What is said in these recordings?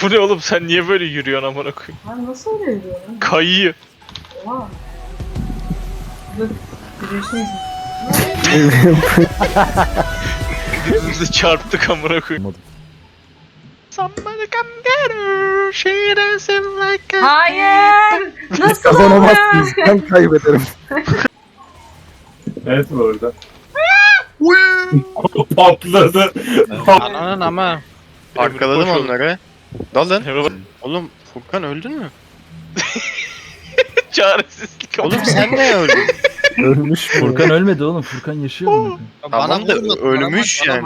Bu ne oğlum, sen niye böyle yürüyorsun amına koyayım? Lan nasıl öyle yürüyor lan? Kayıyor. Oha. Dur. Yürüyüşünüz. Birbirimize çarptık amına koyayım. Somebody come get her. She doesn't like us. Hayır. Nasıl Kazanamazsınız. Ben kaybederim. Evet bu arada. Patladı. Ananın ama. Arkaladım Boş ol. onları. Dalın. Emre bak. Oğlum Furkan öldün mü? Çaresizlik amına. Oğlum sen de öldün. Ölmüş mü? Furkan ölmedi oğlum. Furkan yaşıyor mu? Tamam da ölmüş yani.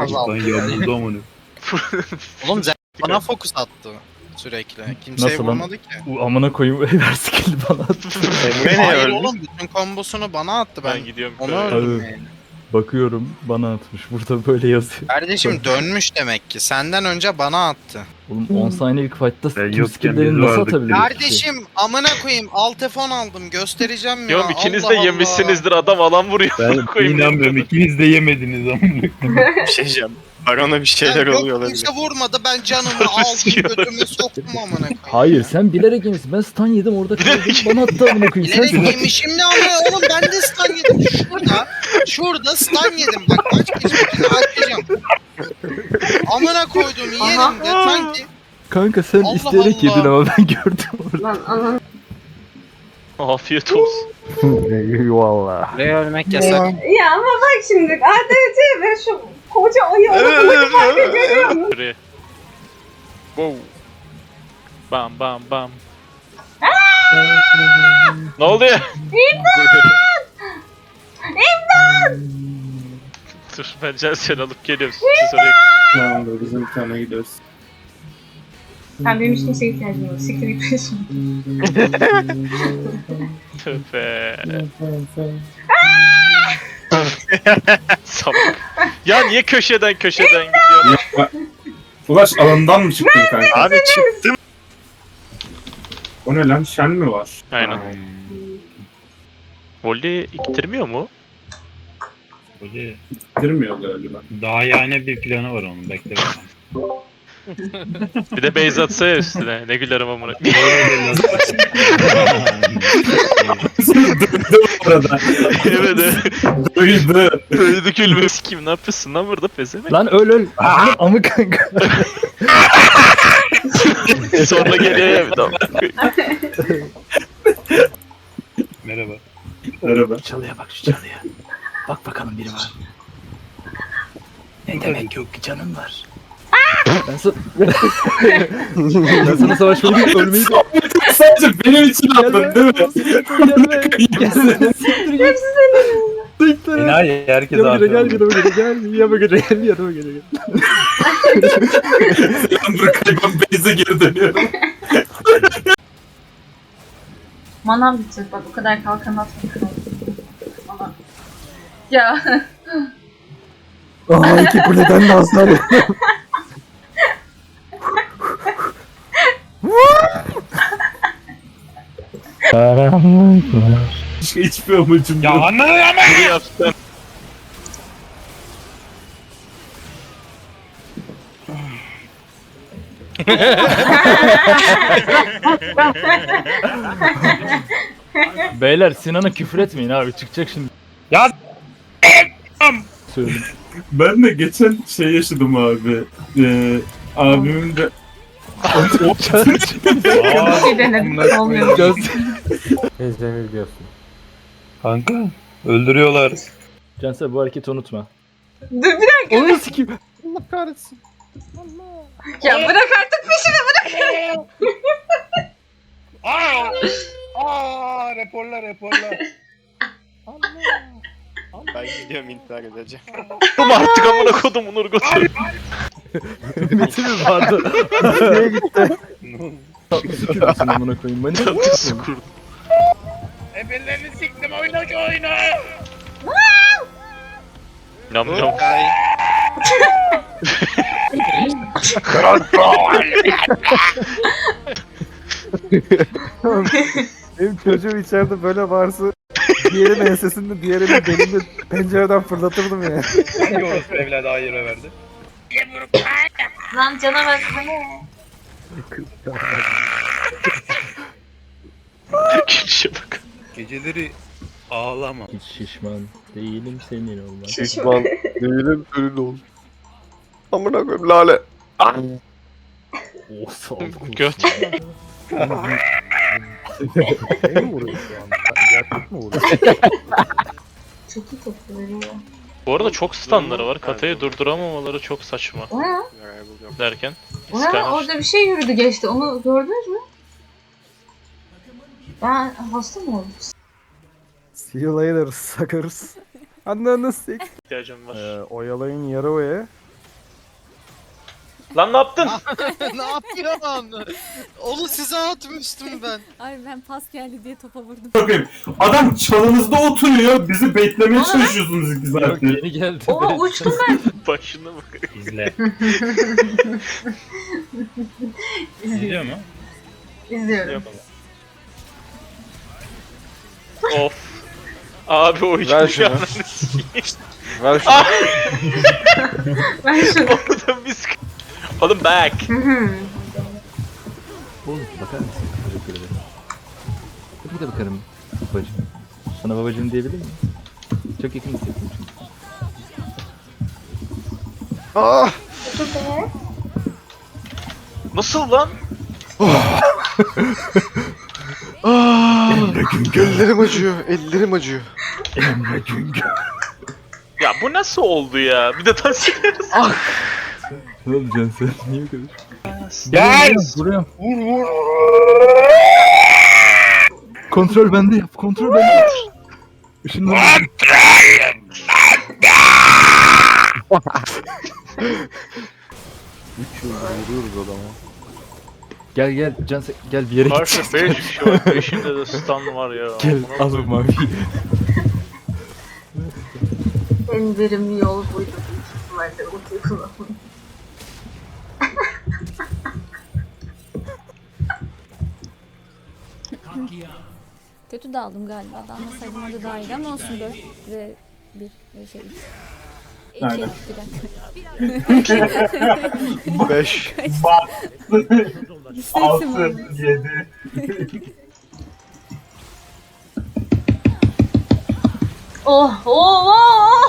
Oğlum Zen bana fokus attı sürekli. Kimseye Nasıl lan? vurmadı ki. Amına koyayım ver skill'i bana at. Emre ne Hayır öldü? oğlum bütün kombosunu bana attı Ben ben. gidiyorum. Onu Böyle. öldüm Abi. yani. Bakıyorum bana atmış. Burada böyle yazıyor. Kardeşim dönmüş demek ki. Senden önce bana attı. Oğlum 10 saniyelik fight'ta tüm yokken skill'lerini biz nasıl vardık. atabilir? Kardeşim amına koyayım alt F10 aldım göstereceğim ya. Diyorum ikiniz Allah de Allah. yemişsinizdir, adam alan vuruyor. Ben Koyayım. inanmıyorum. İkiniz de yemediniz ama. Bir şey diyeceğim. Barona bir şeyler Yok, oluyor olabilir. kimse vurmadı ben canımı Sonra aldım sikiyorlar. götümü soktum amına koyayım. Hayır sen bilerek yemişsin. Ben stun yedim orada kaldım. Bana attı amına koyayım. Sen Bilerek yemişim ne ama oğlum ben de stun yedim şurada stun yedim bak kaç kişi açacağım. Amına koydum yerim de sanki. kanka sen Allah isteyerek Allah. yedin ama ben gördüm orada. Lan anan. Afiyet olsun. Eyvallah. Buraya ölmek yasak. Ya ama bak şimdi ADC ve şu koca ayı arasındaki farkı görüyor musun? Buraya. Wow. Bam bam bam. Ne oluyor? Dur ben Cansel'i alıp geliyorum. Siz oraya. Tamamdır bizim bir tane gidiyoruz. Ben benim hiç kimseye ihtiyacım yok. Siktir git peşim. Tövbe. Salak. Ya niye köşeden gidiyorsun? Ulaş alandan mı çıktın kanka? Abi çıktım. O ne lan? Şen mi var? Aynen. Volley iktirmiyor mu? Girmiyor galiba. Daha yani bir planı var onun, bekle bakalım. Bir de base atsa ya üstüne. Ne gülerim amına. Döndü bu arada. Evet evet. Duydu. Öldü gülme. Kim ne yapıyorsun lan burada pezemek? Lan öl. Amı kanka. Sonra geliyor ya bir daha. Merhaba. Merhaba. Çalıya bak şu çalıya. Bak bakalım biri var. Ne demek yok ki canın var. Ben sana... ben sana savaşmayı ölmeyi Sadece benim için attın değil mi? Gelme. Enayi herkes Yanıma abi. gel yanıma gel. Selam Burkay, ben Beyze geri dönüyorum. Manam bitecek bak o kadar kalkan atma kral. Mana. Ya. Aa iki kuleden de hasar yedim. Hiçbir amacım Ya yok. anladın ama! Ne yaptın? Beyler Sinan'a küfür etmeyin abi çıkacak şimdi. Ya Söyledim. Ben de geçen şey yaşadım abi. Abimin de... Bir şey denedim. Olmuyor. Ezbemi biliyorsun. kanka öldürüyorlar. Cansel bu hareketi unutma. Dur bir dakika. Onu sikeyim. Ya bırak artık peşimi bırak. Raporla. Ben gidiyorum intihar edeceğim. Oğlum artık amına kodum Nurgut'u. Ümiti mi vardı? Nereye gitti? Tatlı süpürüyorsun amına koyayım. Beni Tatlısı kurdu. Ebellerini siktim oyna şu oyunu. Nam nam. Benim çocuğum içeride böyle varsa diğerinin ensesinde diğerinin belinde pencereden fırlatırdım ya. Hangi orospu evladı hayır verdi? Lan canavar. Gülüşe bak. Geceleri ağlama. Hiç şişman değilim senin olmak. Şişman değilim ürün ol. Amına koyayım lale. Oh sağ ol. Göt. Şey mi vuruyor şu an? Gerçek mi vuruyor? Çok iyi tepki veriyor. Bu arada çok standları var. Katayı durduramamaları çok saçma O ne? derken. O ne? Skyler. Orada bir şey yürüdü geçti. Onu gördünüz mü? Ben hasta mı oldum? See you later suckers. Ananı sik. İhtiyacım var. Oyalayın Yarova'ya. Lan ne yaptın? ne yapıyorsun? Onu size atmıştım ben. Ay ben pas geldi diye topa vurdum. Bakayım. Adam çalınızda oturuyor. Bizi beklemeye Aa. çalışıyorsunuz 2 Yok saattir. yeni geldi. Oha uçtum ben. Başına bak. İzle. İzliyor mu? İzliyorum. Of. Abi o hiç Ver şunu. Ver şunu. Ben şunu. Orada biz... Oğlum back. Oğlum bakar mısın? Teşekkür ederim. Tabii de bakarım babacığım. Sana babacığım diyebilir miyim? Çok yakın hissettim çünkü. Ah! Nasıl lan? Ellerim acıyor, ellerim acıyor. Emre Güngör. Ya bu nasıl oldu ya? Bir de taş çıkarız. Ne olacaksın sen? Niye bu kadar? Gel! Vuruyorum. Vur. Kontrol bende yap. Kontrol bende yap. Işınlanma. 3 yıldır vuruyoruz adama. Gel gel gel bir yere git. Karşı 5 kişi var. 5'inde de stun var ya. Gel Amına al o koyayım. maviyi. En verimli yol buydu. Büyük ihtimalle ultiyi kullanmak. Kötü daldım galiba. Dalmasaydım orada daha iyiydi ama olsun 4 ve 1 ve şey 2. Aynen. 5. Sesim 7. Oh oh oh!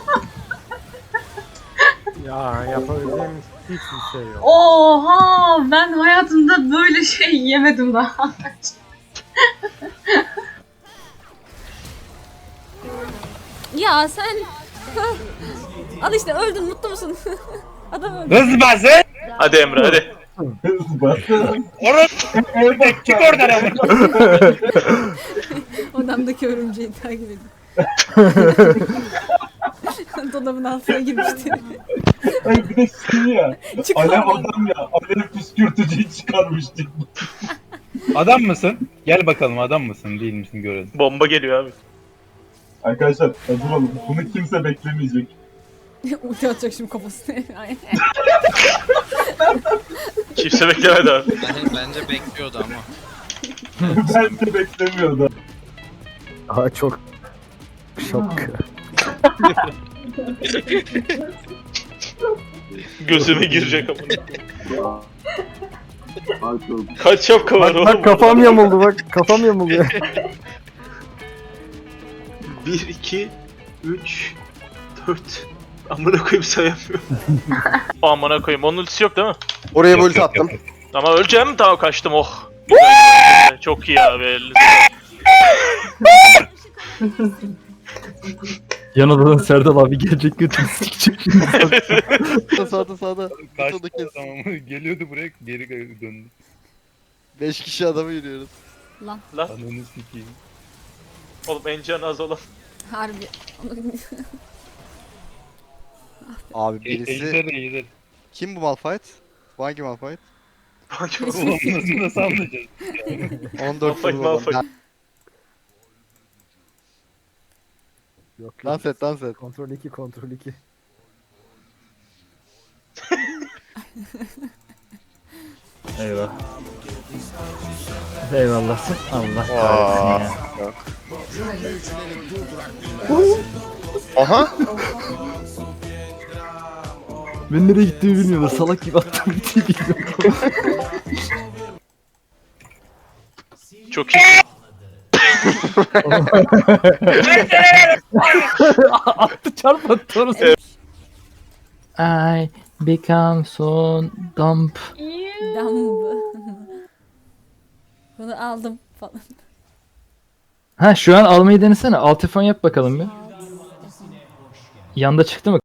Ya yapabileceğimiz hiçbir şey yok. Oha! Ben hayatımda böyle şey yemedim daha. Ya sen al işte öldün mutlu musun? Adam öldü. Hız bazı. Hadi Emre hadi. Orası. Çık oradan ama. Odamdaki örümceği takip edin. Dolabın altına girmişti. Ay bir de şey ya. Çık Alev oradan. adam ya. Alev püskürtücüyü çıkarmıştık. Adam mısın? Gel bakalım adam mısın değil misin görelim. Bomba geliyor abi. Arkadaşlar hazır olun. Bunu kimse beklemeyecek. Ulti atacak şimdi kafasına. Aynen. Kimse beklemedi abi. Bence bekliyordu ama. Ben de beklemiyordu. Daha çok şok. Gözüme girecek ama. Kaç şapka var Bak oğlum? bak kafam yamuldu bak kafam yamuldu. 1, 2, 3, 4. Amına koyayım sayamıyorum. Amına koyayım. Onun ultisi yok değil mi? Oraya bir ulti attım. Ama öleceğim tamam kaçtım oh. Güzel, çok iyi abi. elinize sağlık. Yan odadan Serdal abi gelecek götünü sikecek şimdi. Sağda. Kaçtı tamam. Geliyordu buraya geri döndü. 5 kişi adamı yürüyoruz. Lan Ananı sikeyim. oğlum en can az olan. Harbi. Abi Ejder. kim bu Malphite? Bu hangi Malphite? Oğlum nasıl anlayacağız? 14 Malphite, Malphite. Yok yok. Dans et. Kontrol 2 kontrol 2. Eyvah. Eyvallah. Allah kahretsin ya. Aha. Ben nereye gittiğimi bilmiyorlar. Salak gibi attım bir bilmiyorum. Çok iyi. Attı çarpattı orası. I become so dumb. Dumb. Bunu aldım falan. Ha şu an almayı denesene. Alt F10 yap bakalım bir. Yanda çıktı mı?